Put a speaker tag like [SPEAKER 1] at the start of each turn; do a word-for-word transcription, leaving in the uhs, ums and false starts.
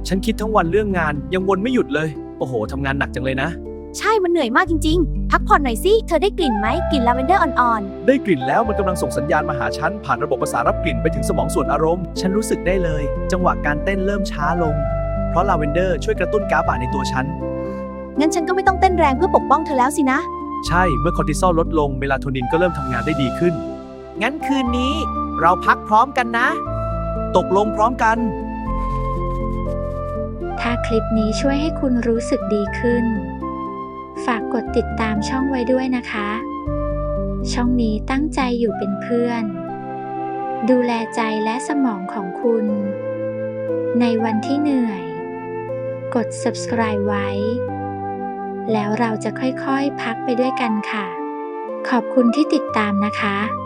[SPEAKER 1] ฉันคิดทั้งวันเรื่องงานยังวนไม่หยุดเลยโอ้โหทำงานหนักจังเลยนะ
[SPEAKER 2] ใช่มันเหนื่อยมากจริงๆ พักผ่อนหน่อยสิ เธอได้กลิ่นไหมกลิ่นลาเวนเดอร์อ่อน
[SPEAKER 1] ได้กลิ่นแล้วมันกำลังส่งสัญญาณมาหาฉันผ่านระบบประสาทรับกลิ่นไปถึงสมองส่วนอารมณ์ฉันรู้สึกได้เลยจังหวะการเต้นเริ่มช้าลงเพราะลาเวนเดอร์ช่วยกระตุ้นก๊าซในตัวฉัน
[SPEAKER 2] ๆ งั้นฉันก็ไม่ต้องเต้นแรงเพื่อปกป้องเธอแล้วสินะ
[SPEAKER 1] ใช่เมื่อคอร์ติซอลลดลงเมลาโทนินก็เริ่มทำงานได้ดีขึ้น
[SPEAKER 3] งั้นคืนนี้เราพักพร้อมกันนะ
[SPEAKER 1] ตกลงพร้อมกัน
[SPEAKER 4] ถ้าคลิปนี้ช่วยให้คุณรู้สึกดีขึ้น ฝากกดติดตามช่องไว้ด้วยนะคะ ช่องนี้ตั้งใจอยู่เป็นเพื่อน ดูแลใจและสมองของคุณ ในวันที่เหนื่อย กด ซับสไครบ์ ไว้ แล้วเราจะค่อยๆพักไปด้วยกันค่ะ ขอบคุณที่ติดตามนะคะ